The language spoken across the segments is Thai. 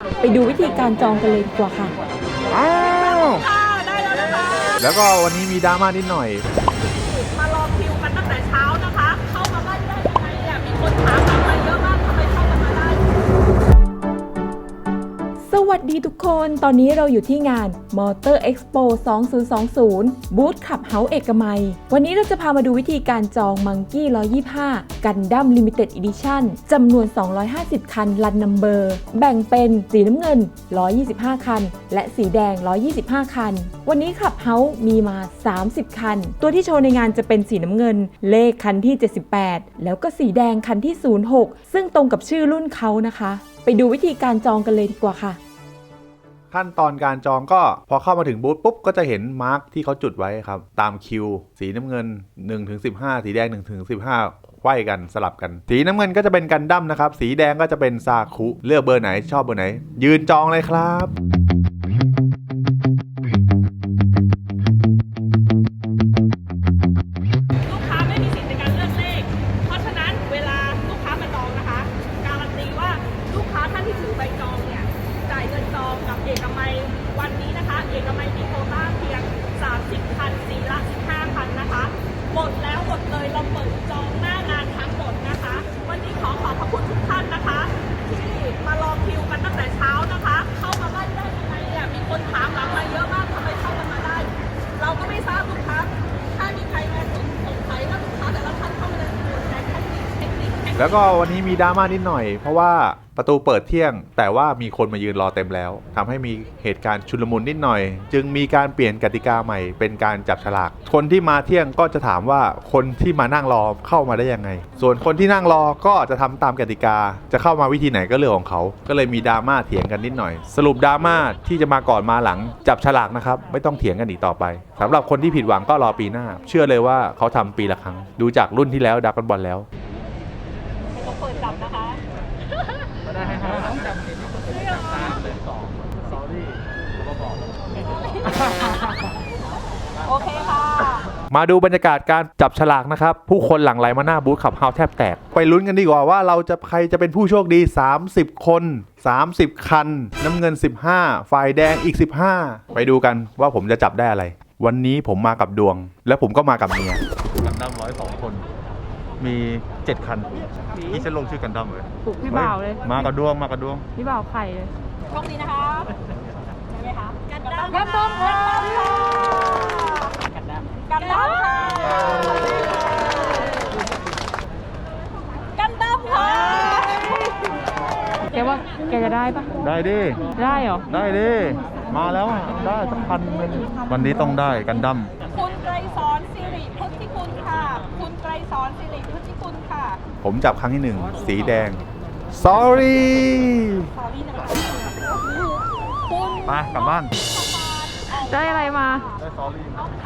ไปดูวิธีการจองกันเลยดีกว่าค่ะอ้าวได้แล้วนะคะแล้วก็วันนี้มีดราม่านิดหน่อยมารอคิวกันตั้งแต่เช้านะคะ เข้ามาได้ยังไงเนี่ยมีคนถามมาเยอะมากทำไมเข้ากันมาได้สวัสดีทุกคน ตอนนี้เราอยู่ที่งาน Motor Expo 2020 บูธขับเฮาส์เอกมัย วันนี้เราจะพามาดูวิธีการจอง Monkey 125 Gundam Limited Edition จำนวน 250 คัน รันนัมเบอร์ แบ่งเป็นสีน้ำเงิน 125 คัน และสีแดง 125 คัน วันนี้ขับเฮาส์มีมา 30 คัน ตัวที่โชว์ในงานจะเป็นสีน้ำเงิน เลขคันที่ 78 แล้วก็สีแดงคันที่ 06 ซึ่งตรงกับชื่อรุ่นเขานะคะ ไปดูวิธีการจองกันเลยดีกว่าค่ะขั้นตอนการจองก็พอเข้ามาถึงบูธปุ๊บก็จะเห็นมาร์กที่เขาจุดไว้ครับตามคิวสีน้ำเงิน 1-15 สีแดง 1-15 ไขว้กันสลับกันสีน้ำเงินก็จะเป็นกันดั้มนะครับสีแดงก็จะเป็นซาคุเลือกเบอร์ไหนชอบเบอร์ไหนยืนจองเลยครับลูกค้าไม่มีสิทธิ์ในการเลือกเลขเพราะฉะนั้นเวลาลูกค้ามาจองนะคะการันตีว่าลูกค้าท่านที่ถือใบจองเนี่ยจ่ายเงินจองกับเอกมัยวันนี้นะคะเอกมัยมีโควต้าเพียง30 คันสีละ15 คันนะคะหมดแล้วหมดเลยเราเปิดจองหน้างานทั้งหมดนะคะวันนี้ขอขอบพระคุณทุกท่านนะคะที่มารอคิวกันตั้งแต่เช้านะคะเข้ามาได้ยังไงเนี่ยมีคนถามหลังมาเยอะมากทำไมเข้ากันมาได้เราก็ไม่ทราบลูกค้าถ้ามีใครมาสงสัยว่าลูกค้าแต่ละท่านเข้ามาในเทคนิคแล้วก็วันนี้มีดราม่านิดหน่อยเพราะว่าประตูเปิดเที่ยงแต่ว่ามีคนมายืนรอเต็มแล้วทำให้มีเหตุการณ์ชุลมุนนิดหน่อยจึงมีการเปลี่ยนกติกาใหม่เป็นการจับฉลากคนที่มาเที่ยงก็จะถามว่าคนที่มานั่งรอเข้ามาได้ยังไงส่วนคนที่นั่งรอก็จะทำตามกติกาจะเข้ามาวิธีไหนก็เรื่องของเขาก็เลยมีดราม่าเถียงกันนิดหน่อยสรุปดราม่าที่จะมาก่อนมาหลังจับฉลากนะครับไม่ต้องเถียงกันอีกต่อไปสำหรับคนที่ผิดหวังก็รอปีหน้าเชื่อเลยว่าเขาทำปีละครั้งดูจากรุ่นที่แล้วดราก้อนบอลแล้วต้องเปิดจับนะคะได้ให้ต้องจำผิดจับตามเลย2 sorry แล้วก็บอกโอเคค่ะมาดูบรรยากาศการจับฉลากนะครับผู้คนหลั่งไหลมาหน้าบูธขับเฮาแทบแตกไปลุ้นกันดีกว่าว่าเราจะใครจะเป็นผู้โชคดี30 คน30 คันน้ำเงิน15ฝ่ายแดงอีก15ไปดูกันว่าผมจะจับได้อะไรวันนี้ผมมากับดวงและผมก็มากับเมียกันดั้ม102 คนมี7 คันที่ฉันลงชื่อกันดั้มเลยปลุกพี่บ่าวเลยมากับดวงพี่บ่าวไข่เลยโชคดีนะคะใช่ไหมคะกันดั้มกันดั้มค่ะกันดั้มค่ะกันดั้มค่ะแกว่าแกจะได้ปะได้ดิได้เหรอได้ดิมาแล้วได้สักพันนึงวันนี้ต้องได้กันดั้มคุณไกรสอนสิริพุทธิคุณค่ะคุณไกรสอนสิริพุทธิคุณค่ะผมจับครั้งที่1สีแดง sorry ไปกลับบ้านได้อะไรมาได้ sorry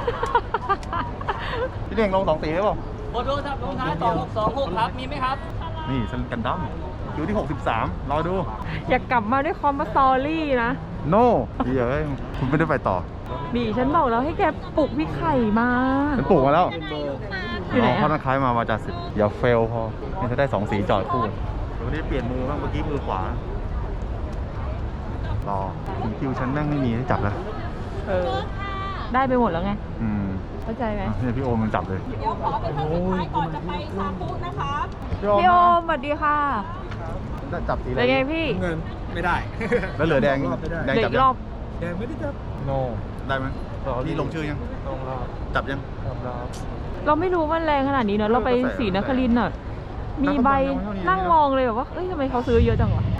พี่เด้งลง2 สีได้ป่ะขอโทษครับลงท้าย2626ครับมีไหมครับนี่ฉันกันดั้มคิวที่63รอดูอยากกลับมาด้วยคอมมาสตอรี่นะ no ดีเลยคุณไม่ได้ไปต่อบีฉันบอกแล้วให้แกปลุกพี่ไข่มาฉันปลุกมาแล้วอยู่ไหนพ่อนักคล้ายมาจากสิบอย่าเฟลพอนี่จะได้2 สีจอดคู่เดี๋ยวนี้เปลี่ยนมือบ้างเมื่อกี้มือขวารอคิวฉันแม่งไม่มีให้จับแล้วได้ไปหมดแล้วไงเข้าใจไหมนี่พี่โอมมันจับเลยเดี๋ยวขอเป็นท่านสุดท้ายก่อนจะไปซาคุนะคะพี่โอมสวัสดีค่ะได้จับสีอะไรเป็นไงพี่เงินไม่ได้แล้วเหลือแดงจับรอบแดงไม่ได้จับโนได้ไหมพี่ลงชื่อยังลงแล้วจับยังเราไม่รู้มันแรงขนาดนี้เนอะเราไปศรีนครินทร์น่ะมีใบนั่งมองเลยแบบว่าเอ้ยทำไมเขาซื้อเยอะจังวะ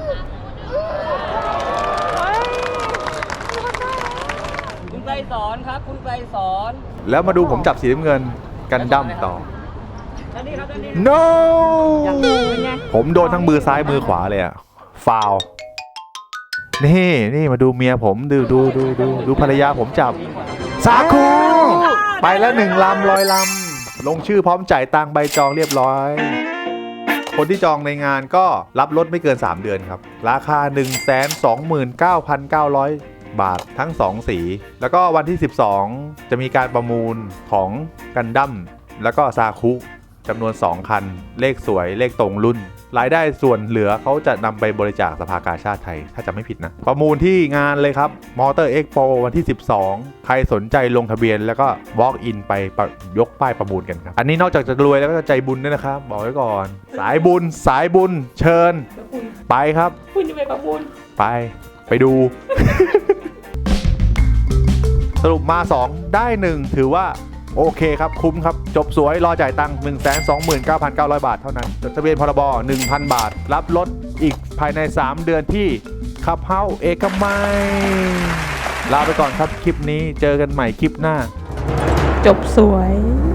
คุณไกรสอนครับคุณไกรสอนแล้วมาดูผมจับสีน้ำเงินกันดั้มต่อ no ผมโดนทั้งมือซ้ายมือขวาเลยอะฟาวนี่มาดูเมียผมดูภรรยาผมจับซาคุไปแล้ว1 ลำ100 ลำลงชื่อพร้อมจ่ายตังค์ใบจองเรียบร้อยคนที่จองในงานก็รับลดไม่เกิน3 เดือนครับราคา 129,900 บาททั้ง2 สีแล้วก็วันที่12จะมีการประมูลของกันดั้มแล้วก็ซาคุจำนวน2 คันเลขสวยเลขตรงรุ่นรายได้ส่วนเหลือเขาจะนำไปบริจาคสภากาชาติไทยถ้าจะไม่ผิดนะประมูลที่งานเลยครับ Motor Expo วันที่ 12 ใครสนใจลงทะเบียนแล้วก็ walk in ไปยกป้ายประมูลกันครับอันนี้นอกจากจะรวยแล้วก็จะใจบุญด้วยนะครับบอกไว้ก่อนสายบุญเชิญไปครับคุณจะไปประมูลไปดู สรุปมา 2 ได้ 1 ถือว่าโอเคครับคุ้มครับจบสวยรอจ่ายตังค์ 129,900 บาทเท่านั้นจดทะเบียนพรบ 1,000 บาทรับรถอีกภายใน 3 เดือนที่ขับเฮ้าเอกมัยลาไปก่อนครับคลิปนี้เจอกันใหม่คลิปหน้าจบสวย